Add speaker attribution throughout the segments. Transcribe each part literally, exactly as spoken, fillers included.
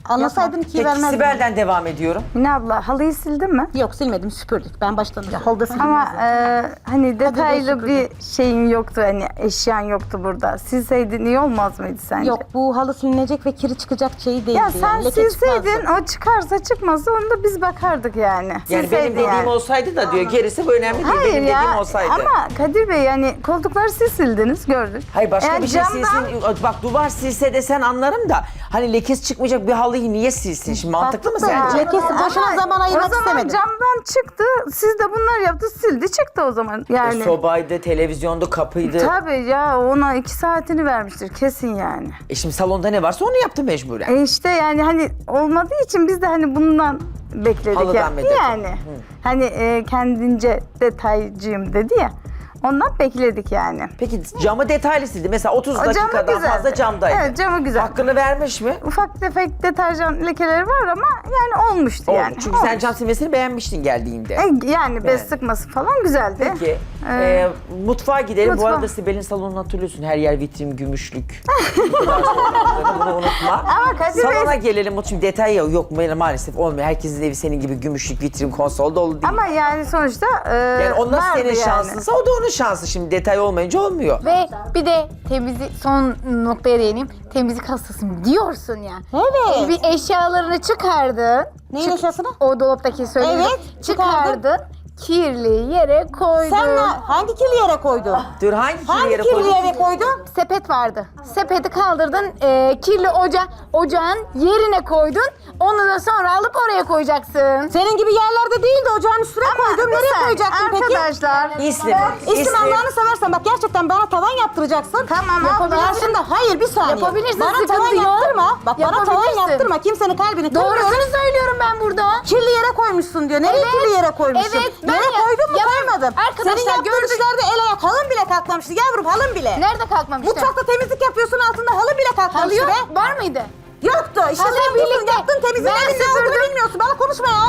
Speaker 1: Anlasaydın ikiyi
Speaker 2: Peki
Speaker 1: vermezdim.
Speaker 2: Sibel'den devam ediyorum.
Speaker 3: Mine abla halıyı sildin mi?
Speaker 1: Yok silmedim, süpürdük. Ben baştan süpürdüm.
Speaker 3: Ama e, hani detaylı
Speaker 1: süpürdüm.
Speaker 3: bir şeyin yoktu, hani eşyan yoktu burada. Silseydin iyi olmaz mıydı sence?
Speaker 1: Yok, bu halı silinecek ve kiri çıkacak şey değildi.
Speaker 3: Ya sen
Speaker 1: yani. Leke
Speaker 3: silseydin,
Speaker 1: çıkmazdı.
Speaker 3: o çıkarsa çıkmasa onu da biz bakardık yani.
Speaker 2: Yani benim
Speaker 3: Silseydin
Speaker 2: dediğim
Speaker 3: yani.
Speaker 2: olsaydı da diyor gerisi bu önemli değil.
Speaker 3: Hayır
Speaker 2: benim
Speaker 3: ya
Speaker 2: dediğim olsaydı.
Speaker 3: ama Kadir Bey yani koltukları siz sildiniz gördük.
Speaker 2: Hayır başka
Speaker 3: Eğer
Speaker 2: bir şey
Speaker 3: camdan-
Speaker 2: silsin. Bak duvar silse de sen anlarım da hani lekesi çıkmayacak bir halıyı niye silsin? Şimdi mantıklı mı
Speaker 1: Baktık da
Speaker 2: sence?
Speaker 1: lekesi boşuna
Speaker 3: Ama
Speaker 1: zaman ayırmak
Speaker 3: O zaman
Speaker 1: istemedim.
Speaker 3: camdan çıktı, siz de bunlar yaptı, sildi çıktı o zaman. Yani.
Speaker 2: E, sobaydı, televizyondu, kapıydı.
Speaker 3: Tabii ya ona iki saatini vermiştir kesin yani.
Speaker 2: E şimdi salonda ne varsa onu yaptı mecburen.
Speaker 3: E işte yani hani olmadığı için biz de hani bundan bekledik
Speaker 2: Halıdan
Speaker 3: yani.
Speaker 2: medet.
Speaker 3: Yani hani e, kendince detaycıyım dedi ya. Ondan bekledik yani.
Speaker 2: Peki camı detaylı sildi. Mesela otuz
Speaker 3: O camı
Speaker 2: dakikadan
Speaker 3: güzeldi.
Speaker 2: fazla camdaydı.
Speaker 3: Evet, camı güzel.
Speaker 2: Hakkını vermiş mi?
Speaker 3: Ufak tefek deterjan lekeleri var ama yani olmuştu
Speaker 2: Oldu.
Speaker 3: yani.
Speaker 2: Çünkü sen
Speaker 3: Olmuş.
Speaker 2: cam silmesini beğenmiştin geldiğinde.
Speaker 3: E, yani bez
Speaker 2: Yani.
Speaker 3: sıkması falan güzeldi.
Speaker 2: Peki.
Speaker 3: Ee,
Speaker 2: e, mutfağa gidelim.
Speaker 3: mutfağa.
Speaker 2: Bu arada Sibel'in salonunu hatırlıyorsun. Her yer vitrin, gümüşlük. Bu kadar zorlandığını, bunu unutma.
Speaker 3: Ama Kadir Bey-
Speaker 2: Salona gelelim. Şimdi detay yok. Yok maalesef olmuyor. Herkesin evi senin gibi gümüşlük, vitrin, konsol dolu değil.
Speaker 3: Ama yani sonuçta e,
Speaker 2: yani o nasıl
Speaker 3: vardı
Speaker 2: senin
Speaker 3: yani.
Speaker 2: şansınsa o da onun şansı. Şimdi detay olmayınca olmuyor.
Speaker 4: Ve bir de temizlik, son noktaya değineyim. Temizlik hastasıyım diyorsun ya.
Speaker 1: Evet.
Speaker 4: Bir eşyalarını çıkardın.
Speaker 1: Neyin eşyasını?
Speaker 4: O dolaptaki söylediğin.
Speaker 1: Evet, çıkardım.
Speaker 4: Çıkardın. Kirli yere koydun.
Speaker 1: Sen ne, hangi kirli yere koydun?
Speaker 2: Dur hangi kirli
Speaker 1: Hangi
Speaker 2: yere
Speaker 1: kirli
Speaker 2: koydun?
Speaker 1: yere koydun?
Speaker 4: Sepet vardı. Sepeti kaldırdın. e, kirli oca, ocağın yerine koydun. Onu da sonra alıp oraya koyacaksın.
Speaker 1: Senin gibi yerlerde değil de ocağın üstüne koydum.
Speaker 3: bir
Speaker 1: Nereye
Speaker 3: saniye,
Speaker 1: koyacaktın peki?
Speaker 3: Arkadaşlar.
Speaker 2: İslim.
Speaker 1: İstim Allah'ını seversen bak gerçekten bana tavan yaptıracaksın.
Speaker 3: Tamam,
Speaker 1: Yapabilirsin. Karşında hayır bir saniye.
Speaker 4: Yapabilirsin,
Speaker 1: Bana
Speaker 4: sıkıntı
Speaker 1: tavan
Speaker 4: yok.
Speaker 1: yaptırma. Bak bana tavan
Speaker 4: Yapabilirsin.
Speaker 1: yaptırma. Kimsenin kalbini kırmasın.
Speaker 4: Doğrusunu söylüyorum ben burada.
Speaker 1: Kirli yere koymuşsun diyor. Nereye
Speaker 4: Evet,
Speaker 1: kirli yere koymuşsun?
Speaker 4: evet, ben
Speaker 1: Yere
Speaker 4: ya-
Speaker 1: koydun mu
Speaker 4: yap-
Speaker 1: koymadım.
Speaker 4: Arkadaşlar,
Speaker 1: Senin yaptığın
Speaker 4: gördük.
Speaker 1: işlerde el ayak halın bile kalkmamıştı yavrum halın bile.
Speaker 4: Nerede kalkmamıştı?
Speaker 1: Mutfakta temizlik yapıyorsun altında halı bile
Speaker 4: Halı
Speaker 1: kalkmamıştı
Speaker 4: yok.
Speaker 1: be.
Speaker 4: Var mıydı?
Speaker 1: Yoktu. İşte
Speaker 4: Halı
Speaker 1: sen buldun
Speaker 4: birlikte.
Speaker 1: yaptın temizliğin
Speaker 4: Ben
Speaker 1: evin ne olduğunu
Speaker 4: süpürdüm.
Speaker 1: bilmiyorsun. Bana konuşma ya.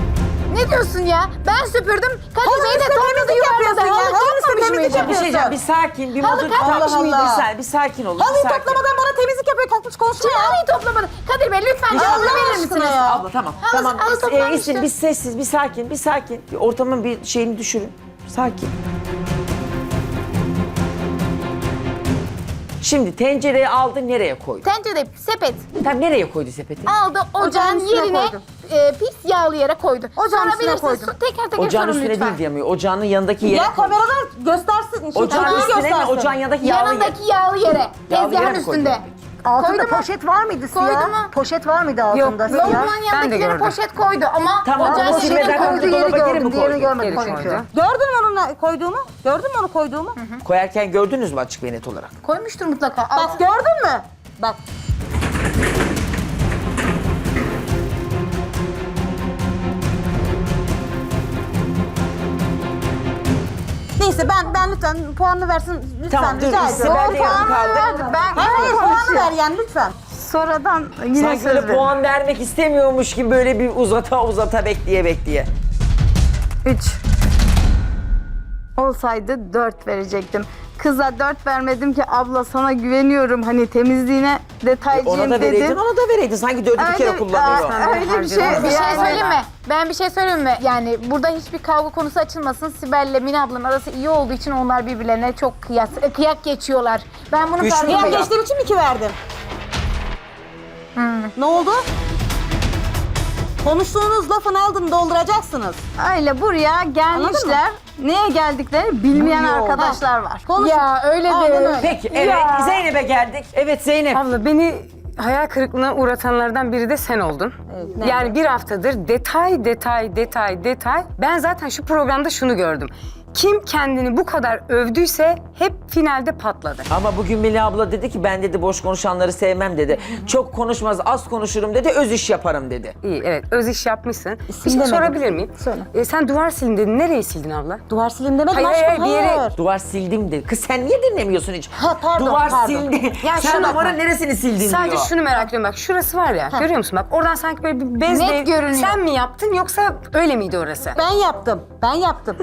Speaker 4: Ne diyorsun ya? Ben süpürdüm. Kadir
Speaker 1: Halının
Speaker 4: Bey de
Speaker 1: üstüne
Speaker 4: topladı
Speaker 1: temizlik
Speaker 4: yuvarladı.
Speaker 1: yapıyorsun ya.
Speaker 4: Halı
Speaker 1: Halının üstüne
Speaker 4: kalkmamış
Speaker 1: temizlik
Speaker 4: mıydı?
Speaker 2: Bir şey diyeceğim. Bir sakin. Bir
Speaker 4: Halı
Speaker 2: modu
Speaker 4: kalkmamış
Speaker 2: tutmak
Speaker 1: mıydı?
Speaker 2: Bir saniye. Bir sakin olun. bir
Speaker 1: Halıyı
Speaker 2: sakin.
Speaker 1: toplamadan bana temizlik yapıyor kalkmış konuşma
Speaker 4: Şimdi
Speaker 1: ya.
Speaker 4: halıyı toplamadı. Kadir Bey lütfen
Speaker 1: Allah
Speaker 4: cevabını verir
Speaker 1: aşkına
Speaker 4: misiniz?
Speaker 1: ya.
Speaker 2: Abla tamam.
Speaker 4: Halı-
Speaker 2: tamam.
Speaker 4: halı
Speaker 2: Ee,
Speaker 4: toplanmıştı.
Speaker 2: İslim bir sessiz, bir sakin, bir sakin. Bir ortamın bir şeyini düşürün. Sakin. Şimdi tencereyi aldı nereye koydu?
Speaker 4: Tencere, sepet
Speaker 2: Tam nereye koydu sepeti?
Speaker 4: aldı ocağın
Speaker 1: Ocağın üstüne
Speaker 4: yerine
Speaker 1: koydu.
Speaker 4: e, pis yağlı yere koydu.
Speaker 1: Ocağın üstüne
Speaker 4: Sorabilirsiniz.
Speaker 1: koydum.
Speaker 4: Teker teker
Speaker 2: Ocağın
Speaker 4: sorun
Speaker 2: üstüne
Speaker 4: lütfen.
Speaker 2: değil diyemiyor. Ocağının yanındaki yere
Speaker 1: Ya
Speaker 2: koydu.
Speaker 1: kameralar göstersin. Şey,
Speaker 2: Ocağın
Speaker 1: tepkiyi
Speaker 2: üstüne mi?
Speaker 1: göstersin.
Speaker 2: Ocağın yanındaki yağlı yer.
Speaker 4: Yanındaki yağlı yere.
Speaker 2: Yağlı yere
Speaker 4: Tezgahın
Speaker 2: mi koydu?
Speaker 4: üstünde.
Speaker 5: Altında
Speaker 4: Koydu mu?
Speaker 5: poşet var mıydı siyah?
Speaker 4: Koydu mu?
Speaker 5: Poşet var mıydı altında siyah?
Speaker 4: Lavabonun yanındakilere poşet koydu ama
Speaker 2: Tamam,
Speaker 4: ocağın
Speaker 2: ama
Speaker 4: içine
Speaker 2: silmeden
Speaker 4: koydu.
Speaker 2: koydu. Dolaba geri mi
Speaker 5: Diğerini
Speaker 2: koydu?
Speaker 5: görmedim
Speaker 3: Geri
Speaker 5: çünkü.
Speaker 3: koydu.
Speaker 1: Gördün mü onu ne- koyduğumu? Gördün mü onu koyduğumu?
Speaker 2: Koyarken gördünüz mü açık ve net olarak?
Speaker 4: Koymuştur mutlaka.
Speaker 1: Bak gördün mü? Bak. Neyse ben ben lütfen puanını versin lütfen
Speaker 2: Tamam, dur,
Speaker 1: rica
Speaker 2: Sibel
Speaker 1: ediyorum.
Speaker 2: de yarım kaldı.
Speaker 3: Ben
Speaker 1: Hayır hayır puanı
Speaker 3: konuşuyorum.
Speaker 1: ver yani lütfen.
Speaker 3: Sonradan yine
Speaker 2: Sanki
Speaker 3: söz
Speaker 2: böyle
Speaker 3: verin.
Speaker 2: puan vermek istemiyormuş gibi böyle bir uzata uzata bekleye bekleye.
Speaker 3: Üç. Olsaydı dört verecektim. Kıza dört vermedim ki abla sana güveniyorum hani temizliğine detaycıyım
Speaker 2: Ona da
Speaker 3: dedim.
Speaker 2: vereydin, ona da vereydin. Sanki dördü bir kere kullanıyor.
Speaker 3: Aa, öyle bir şey.
Speaker 4: Bir şey
Speaker 3: yani-
Speaker 4: söyleyeyim mi? Ben bir şey söyleyeyim mi? Yani burada hiçbir kavga konusu açılmasın. Sibel'le Mine ablanın arası iyi olduğu için onlar birbirlerine çok kıyas, e, kıyak geçiyorlar. Ben bunu
Speaker 2: Güçlü
Speaker 4: farkındayım.
Speaker 2: kıyak.
Speaker 1: Ya geçtiğim için mi iki verdin? Ne oldu? Konuştuğunuz lafın altını dolduracaksınız.
Speaker 3: Öyle buraya gelmişler. Neye geldiklerini bilmeyen
Speaker 1: Yok.
Speaker 3: arkadaşlar var.
Speaker 1: Konuş.
Speaker 4: Ya öyle
Speaker 1: Aynen
Speaker 4: de.
Speaker 1: öyle.
Speaker 2: Peki evet Zeynep'e geldik. Evet Zeynep.
Speaker 6: Abla beni hayal kırıklığına uğratanlardan biri de sen oldun. Yani bir haftadır detay, detay, detay, detay. Ben zaten şu programda şunu gördüm. Kim kendini bu kadar övdüyse hep finalde patladı.
Speaker 2: Ama bugün Melih abla dedi ki ben dedi boş konuşanları sevmem dedi. Çok konuşmaz az konuşurum dedi öz iş yaparım dedi.
Speaker 6: İyi, evet, öz iş yapmışsın. bir şey
Speaker 1: demedim.
Speaker 6: sorabilir miyim?
Speaker 1: Söyle.
Speaker 6: Ee, sen duvar silin dedin. Nereyi sildin abla?
Speaker 1: Duvar silim demedim
Speaker 6: Hayır,
Speaker 1: aşkım
Speaker 6: hayır, bir yere-
Speaker 1: hayır.
Speaker 2: Duvar sildim dedi. Kız sen niye dinlemiyorsun hiç?
Speaker 1: Ha, pardon,
Speaker 2: Duvar
Speaker 1: pardon.
Speaker 2: sildi.
Speaker 6: Ya
Speaker 2: sen
Speaker 6: şuna
Speaker 2: duvarın
Speaker 6: bak.
Speaker 2: neresini sildin
Speaker 6: Sadece
Speaker 2: diyor.
Speaker 6: şunu merak ediyorum bak şurası var ya görüyor musun bak oradan sanki böyle bir bezle
Speaker 4: Net görünüyor.
Speaker 6: sen mi yaptın yoksa öyle miydi orası?
Speaker 1: Ben yaptım. Ben yaptım.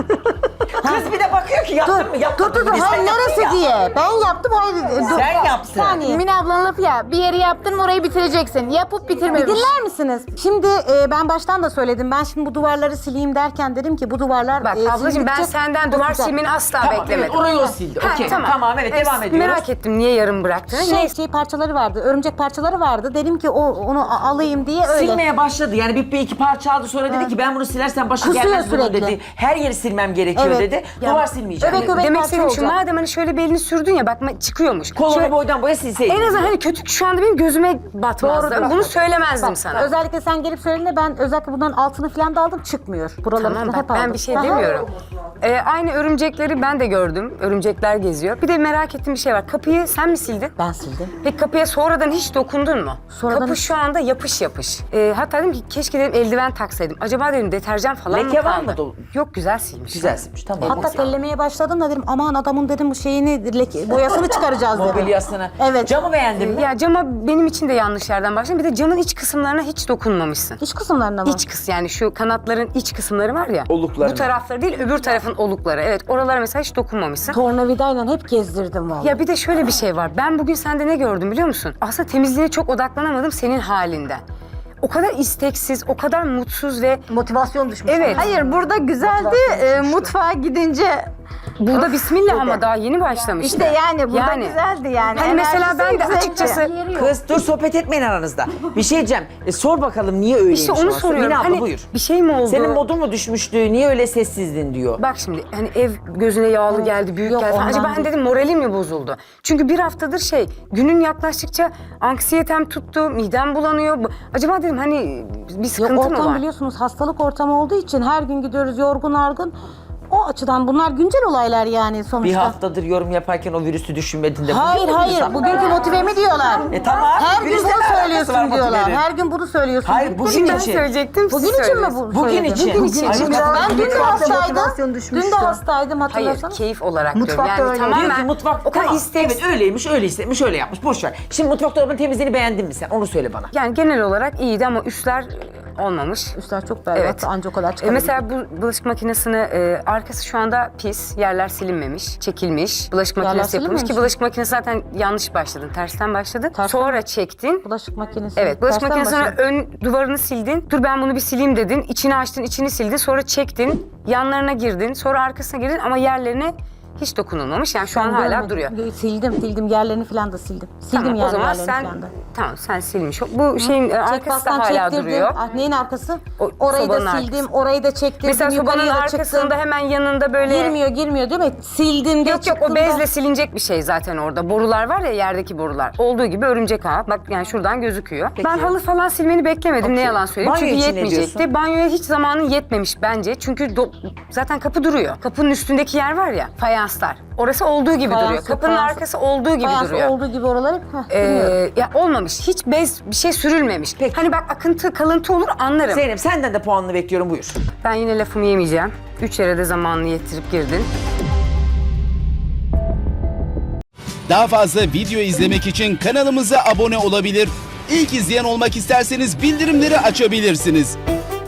Speaker 2: Kız bir de bakıyor ki yaptın mı
Speaker 1: Dur
Speaker 2: yapmadın
Speaker 1: dur dur.
Speaker 2: mı? Biz
Speaker 1: Hayır
Speaker 2: sen yaptın
Speaker 1: neresi
Speaker 2: ya.
Speaker 1: diye. Ben yaptım hayır. Dur.
Speaker 2: Sen yaptın.
Speaker 1: Bir saniye.
Speaker 4: Mine ablanın lafı ya, bir yeri yaptın mı orayı bitireceksin. Yapıp
Speaker 1: Bir
Speaker 4: bitirmemiş.
Speaker 1: dinler misiniz? Şimdi e, ben baştan da söyledim. Ben şimdi bu duvarları sileyim derken dedim ki bu duvarlar...
Speaker 6: Bak
Speaker 1: e,
Speaker 6: ablacığım ben
Speaker 1: sildikçe
Speaker 6: senden duvar
Speaker 1: kokacak.
Speaker 6: silmeni asla
Speaker 2: Tamam,
Speaker 6: beklemedim.
Speaker 2: evet, orayı o sildi.
Speaker 6: Ha,
Speaker 2: Okey, tamam, evet, devam ediyoruz.
Speaker 6: Merak ettim niye yarım bıraktığını.
Speaker 1: Şey,
Speaker 6: Neyse.
Speaker 1: şey parçaları vardı, örümcek parçaları vardı. Dedim ki o onu a- alayım diye öyle.
Speaker 2: Silmeye başladı. Yani bir, bir iki parça aldı sonra dedi ki ben bunu silersem başı
Speaker 1: Kusuyor
Speaker 2: gelmez bunun
Speaker 1: sürekli.
Speaker 2: dedi. Her yeri silmem gerekiyor
Speaker 1: Evet.
Speaker 2: dedi.
Speaker 1: Ya,
Speaker 2: Duvar silmeyeceğim
Speaker 1: öbek
Speaker 2: dedi.
Speaker 1: öbek-
Speaker 6: Demek
Speaker 1: parça
Speaker 6: istediğim şu,
Speaker 1: olacak.
Speaker 6: madem hani şöyle bir elini sürdün ya bak çıkıyormuş.
Speaker 2: Kolunu
Speaker 6: Şöyle-
Speaker 2: boydan boya silseydin.
Speaker 6: en azından hani kötü şu anda benim gözüme batmazdı.
Speaker 1: Doğrudur.
Speaker 6: Bunu söylemezdim
Speaker 1: Bak,
Speaker 6: sana.
Speaker 1: özellikle sen gelip söylediğinde ben özellikle bunların altını falan da aldım çıkmıyor. Buralarını
Speaker 6: Tamam
Speaker 1: falan
Speaker 6: bak
Speaker 1: hep
Speaker 6: ben
Speaker 1: aldım.
Speaker 6: bir şey
Speaker 1: Aha.
Speaker 6: demiyorum. Ee, aynı örümcekleri ben de gördüm. Örümcekler geziyor. Bir de merak ettiğim bir şey var. Kapıyı sen mi sildin?
Speaker 1: Ben sildim.
Speaker 6: Peki kapıya sonradan hiç dokundun mu?
Speaker 1: Sonradan
Speaker 6: Kapı
Speaker 1: hiç-
Speaker 6: şu anda yapış yapış. Ee, hatta dedim ki keşke dedim eldiven taksaydım. Acaba dedim deterjan falan
Speaker 2: Leke
Speaker 6: mı
Speaker 2: var
Speaker 6: kaldı?
Speaker 2: mı dolu?
Speaker 6: Yok güzel silmiş.
Speaker 2: Güzel silmiş tamam.
Speaker 1: Hatta tellemeye başladım da dedim aman adamın dedim bu şeyini leke, boyasını çıkaracağız dedim.
Speaker 2: Mobilyasını.
Speaker 1: Evet.
Speaker 2: Camı beğendin mi?
Speaker 6: Ya cama benim için de yanlış yerden başladın. Bir de camın iç kısımlarına hiç dokunmamışsın.
Speaker 1: İç kısımlarına mı?
Speaker 6: İç kıs yani şu kanatların iç kısımları var ya.
Speaker 2: Oluklarına.
Speaker 6: Bu tarafları değil öbür tarafın olukları. Evet oralara mesela hiç dokunmamışsın.
Speaker 1: Tornavidayla hep gezdirdim vallahi.
Speaker 6: Ya bir de şöyle bir şey var. Ben bugün sende ne gördüm biliyor musun? Aslında temizliğe çok odaklanamadım senin halinden. O kadar isteksiz, o kadar mutsuz ve
Speaker 5: Motivasyon düşmüş.
Speaker 6: evet.
Speaker 3: Hayır burada güzeldi. E, mutfağa gidince
Speaker 6: Burada bismillah ama daha yeni başlamıştı.
Speaker 3: işte yani burada güzeldi yani.
Speaker 6: Hani mesela
Speaker 3: Enerjisi
Speaker 6: ben de
Speaker 3: yüksekti.
Speaker 6: açıkçası
Speaker 2: Kız dur sohbet etmeyin aranızda. Bir şey diyeceğim. E, sor bakalım niye öyleymiş
Speaker 6: işte onu
Speaker 2: orası?
Speaker 6: soruyorum.
Speaker 2: Mine abla
Speaker 6: Hani
Speaker 2: buyur.
Speaker 6: bir şey mi oldu?
Speaker 2: Senin modun mu düşmüştü? Niye öyle sessizdin diyor.
Speaker 6: Bak şimdi hani ev gözüne yağlı geldi, büyük
Speaker 1: Yok,
Speaker 6: geldi falan.
Speaker 1: ondan
Speaker 6: Acaba ben
Speaker 1: değil.
Speaker 6: dedim moralim mi bozuldu? Çünkü bir haftadır şey, günün yaklaştıkça anksiyetem tuttu, midem bulanıyor. Bu- Acaba dedim hani bir
Speaker 1: Yok
Speaker 6: sıkıntı mı
Speaker 1: ortam
Speaker 6: var?
Speaker 1: biliyorsunuz hastalık ortamı olduğu için her gün gidiyoruz yorgun argın. O açıdan bunlar güncel olaylar yani sonuçta.
Speaker 2: Bir haftadır yorum yaparken o virüsü düşünmedin de.
Speaker 1: Hayır
Speaker 2: bugün mü
Speaker 1: hayır
Speaker 2: diyorsun?
Speaker 1: bugünkü motivemi diyorlar.
Speaker 2: E tamam.
Speaker 1: Her gün
Speaker 2: virüsle ne
Speaker 1: bunu
Speaker 2: alakası var
Speaker 1: söylüyorsun diyorlar.
Speaker 2: motivenin?
Speaker 1: Her gün bunu söylüyorsun.
Speaker 2: Hayır,
Speaker 1: Bugün
Speaker 2: bugün
Speaker 6: Ben
Speaker 2: için.
Speaker 6: söyleyecektim, siz
Speaker 1: Bugün için mi
Speaker 6: söylediniz.
Speaker 1: bu
Speaker 2: Bugün
Speaker 1: söyledin?
Speaker 2: için.
Speaker 1: Bugün için.
Speaker 2: Hayır,
Speaker 1: Ben dün de
Speaker 5: mutfakta
Speaker 1: hastaydım.
Speaker 5: motivasyon
Speaker 1: Dün
Speaker 5: düşmüştü.
Speaker 1: de hastaydım
Speaker 6: Hayır,
Speaker 1: hatırlarsanız.
Speaker 6: keyif olarak
Speaker 5: Mutfakta
Speaker 6: diyorum.
Speaker 5: öyle.
Speaker 6: Yani
Speaker 2: Diyor ki
Speaker 6: tamamen
Speaker 2: mutfak
Speaker 6: o kadar
Speaker 2: tamam,
Speaker 6: isteksiz.
Speaker 2: evet öyleymiş, öyle istemiş, öyle yapmış. Boş ver. Şimdi mutfak dolabının temizliğini beğendin mi sen? Onu söyle bana.
Speaker 6: Yani genel olarak iyiydi ama üstler e, olmamış.
Speaker 1: Üstler çok berbat.
Speaker 6: Evet.
Speaker 1: Ancak o kadar
Speaker 6: E,
Speaker 1: çıkabilir.
Speaker 6: mesela bu bulaşık makinesini e, arkası şu anda pis, yerler silinmemiş, çekilmiş. Bulaşık
Speaker 1: Yerler
Speaker 6: makinesi yapılmış ki
Speaker 1: silinmemiş mi?
Speaker 6: bulaşık makinesi zaten yanlış başladın, tersten başladın.
Speaker 1: Tersten-
Speaker 6: Sonra çektin.
Speaker 1: Bulaşık makinesi.
Speaker 6: Evet, bulaşık
Speaker 1: Tersten
Speaker 6: makinesinin
Speaker 1: başladı.
Speaker 6: ön duvarını sildin. Dur ben bunu bir sileyim dedin. İçini açtın, içini sildin. Sonra çektin, yanlarına girdin. Sonra arkasına girdin ama yerlerine hiç dokunulmamış. Yani şu an
Speaker 1: Ben
Speaker 6: hala
Speaker 1: görmedim.
Speaker 6: duruyor.
Speaker 1: Sildim, sildim. Yerlerini falan da sildim. Sildim
Speaker 6: Tamam,
Speaker 1: yani
Speaker 6: o zaman
Speaker 1: yerlerini
Speaker 6: sen
Speaker 1: falan da.
Speaker 6: tamam sen silmiş. ol. Bu şeyin e, arkası da
Speaker 1: Çekmazdan
Speaker 6: hala
Speaker 1: çektirdim.
Speaker 6: duruyor.
Speaker 1: Ah, neyin arkası?
Speaker 6: O
Speaker 1: Orayı da
Speaker 6: sobanın
Speaker 1: sildim,
Speaker 6: arkası.
Speaker 1: orayı da çektirdim.
Speaker 6: Mesela sobanın
Speaker 1: yukarıya da
Speaker 6: arkasında
Speaker 1: çıktım.
Speaker 6: hemen yanında böyle
Speaker 1: Girmiyor, girmiyor değil mi? Sildim de
Speaker 6: Yok yok o
Speaker 1: çıktım da-
Speaker 6: bezle silinecek bir şey zaten orada. Borular var ya yerdeki borular. Olduğu gibi örümcek ağı. Bak yani şuradan gözüküyor.
Speaker 2: Peki.
Speaker 6: Ben halı falan silmeni beklemedim ne yalan söyleyeyim.
Speaker 2: Banyo
Speaker 6: Çünkü
Speaker 2: için ne
Speaker 6: yetmeyecekti.
Speaker 2: diyorsun?
Speaker 6: Banyoya hiç zamanın yetmemiş bence. Çünkü do- zaten kapı duruyor. Kapının üstündeki yer var ya fayanslar. Orası olduğu gibi
Speaker 1: Fayans
Speaker 6: duruyor.
Speaker 1: yok,
Speaker 6: Kapının
Speaker 1: fayans-
Speaker 6: arkası olduğu gibi
Speaker 1: Fayans
Speaker 6: duruyor.
Speaker 1: olduğu gibi oraları heh,
Speaker 6: Ee,
Speaker 1: bilmiyorum.
Speaker 6: ya olmamış. Hiç bez bir şey sürülmemiş.
Speaker 2: Peki.
Speaker 6: Hani bak akıntı kalıntı olur anlarım.
Speaker 2: Zeynep senden de puanını bekliyorum buyur.
Speaker 6: Ben yine lafımı yemeyeceğim. Üç yere de zamanını yettirip girdin.
Speaker 7: Daha fazla video izlemek için kanalımıza abone olabilir. İlk izleyen olmak isterseniz bildirimleri açabilirsiniz.